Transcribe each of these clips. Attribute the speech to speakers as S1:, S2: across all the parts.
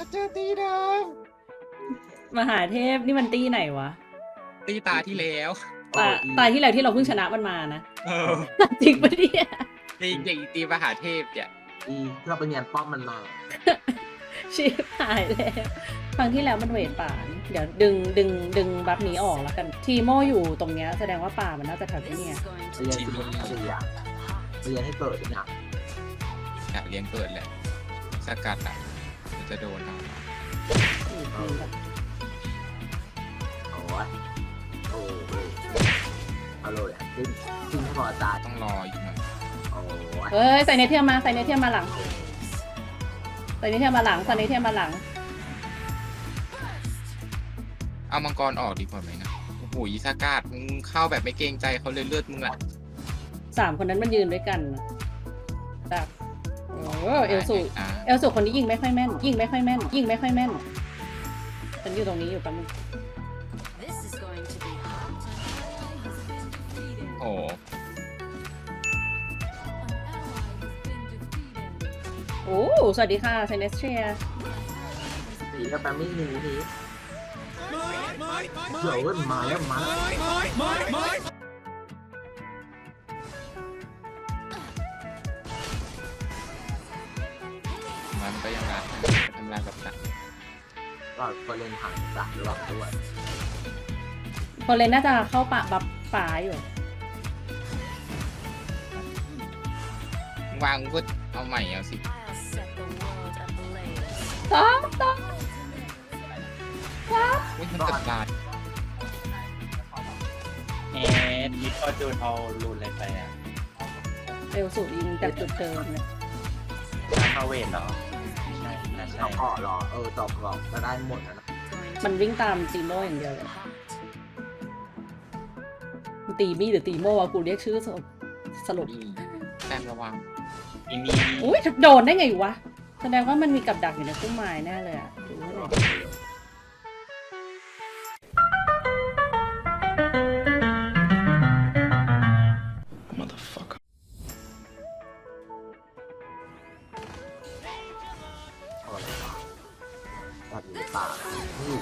S1: เจอตีเดิม
S2: มหาเทพนี่มันตีไหนวะ
S1: ตีตาที่แล้ว
S2: ตาที่แล้วที่เราเพิ่งชนะมันมานะ
S1: เออ
S2: จริงปะเนี่ย
S1: ตีมหาเทพเนี่ย
S3: ที่เราไปเนียนป้อมมันมา
S2: ชิบหายแล้วครั้งที่แล้วมันเวทป่านี่เดี๋ยวดึงบัฟนี้ออกแล้วกัน ทีโมอยู่ตรงเนี้ยแสดงว่าป่ามันน่าจะแถวที่เนี่ย
S3: เรียนที่มันเรียนเรียนให้เกิดเนี่ย
S1: อยากเลี้ยงเกิดแหละสกัดอ่ะมันจะโดนเอา
S3: โอ้ยโอ้ยเอาเลยขึ้นให้พอใจ
S1: ต้องรออีกหน่อย
S3: โอ้ย
S2: เฮ้ยใส่เนเทียมมาใส่เนเทียมมาหลังใส่เนเทียมมาหลังใส่เนเทียมมาหลัง
S1: เอามังกรออกดีกว่าไหมนะโอ้โหอีสกัดมึงเข้าแบบไม่เกรงใจเขาเลยเลือดมึงอ่ะ
S2: 3 คนนั้นมันยืนด้วยกันนะแบบเอลสู
S1: อ่ะ
S2: เอลสูคนนี้ยิงไม่ค่อยแม่น ยิงไม่ค่อยแม่น ยิงไม่ค่อยแม่น ฉันอยู่ตรงนี้อยู่แป๊บนึง
S1: โอ้โห
S2: โอ้สวัสดีค่ะเซเนสเทีย
S3: สีกับแปมมี่นี้นี้เดี๋ยวมาแล้วมา
S1: มันก็ยังรักทำงานกับสัตว์
S3: ก็คนเล่นผ่านจากระหว่างด้วย
S2: คนเลนน่าจะเข้าป่าบับป่าอยู่
S1: วางก็เอาใหม่เอาสิ
S2: ต้อง
S1: อุ้ยมันเกิดบาด
S4: มิดก็จูนเอารูนอะไรไปอ่ะ
S2: เอลสูยิงจากจุดเดิมเลย
S4: เข้าเวทเหรอไม่ใช่น่าใช่
S3: ตอกเกาะหรอตอกเกาะก็ได้หมดนะ
S2: มันวิ่งตามตีโมอย่างเดียวเลยตีมี่หรือตีโมวะกูเรียกชื่อสรุป
S1: นี่แต้มระวัง
S4: อีมี
S2: อุ้ยโดนได้ไงวะ แสดงว่ามันมีกับดักอยู่ในพุ่มไม้แน่เลยอะดูไม่ได้
S3: อะไรวะแบบนี้ป่านี่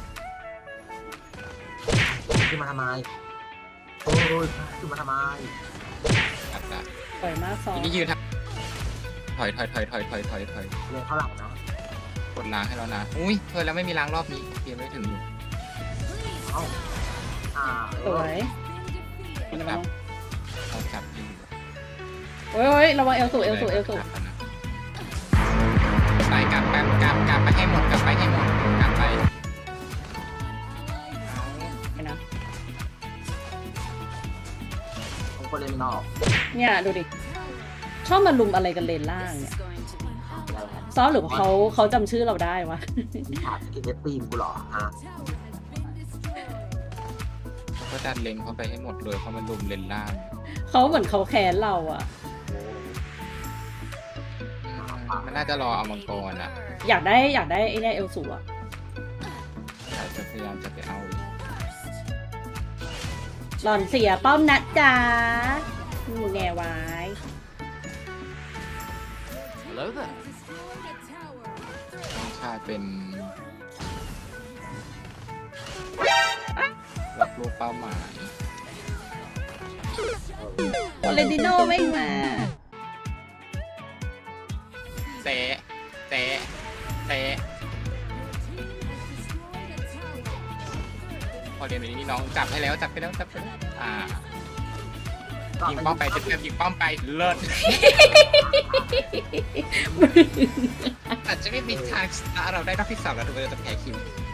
S3: ขึ้นมาทำไมโอ้ยขึ้นมาทำไม
S1: อัดละ
S2: ปล่อยมากซอ
S1: ทีนี้ยืนทถอย
S3: เรียนข้างหลังนะ
S1: กดล้างให้แล้วนะ อุ้ยเธอแล้วไม่มีล้างรอบนี้เกมไม่ถึงอยู่
S3: เอ้า
S2: สวย
S1: มันแบบเราจับอยู่
S2: โอ้ยระวังเอลสูเอลสู
S1: ไปกลับไปให้หมดกลับไปให้หมดกลับไป
S2: ไปนะ
S3: ผมก็เล่นนอก
S2: เนี่ยดูดิ ชอบมาลุมอะไรกันเลนล่างเนี่ย ซอสหรือว่าเขาจำชื่อเราได้วะ
S3: มีขาดกินเนตตีมกูหรอฮะ
S1: ก็ดันเลนเข้าไปให้หมดเลยเพราะมันลุมเลนล่าง
S2: เขาเหมือนเขาแค้นเราอะ
S1: มันน่าจะรอเอามังกรอ่ะ
S2: อยากได้ไอ้เนี่ยเอลสูอะ
S1: เราจะพยายามจะไปเอา
S2: หล่อนเสียป้อมนะจ๊ะมึงแง่ไว้
S1: ต้องชาเป็นรับลูกเป้าหมาย
S2: โอเลนติโน่ไม่มา
S1: เตะพอเรียนแบบนี้น้องจับให้แล้วจับไปแล้วยิงป้อมไปจะยิงป้อมไปเลิศอาจจะไม่มีทางสตาร์เราได้รอบที่ 3แล้วทุกคนจะแพ้คิว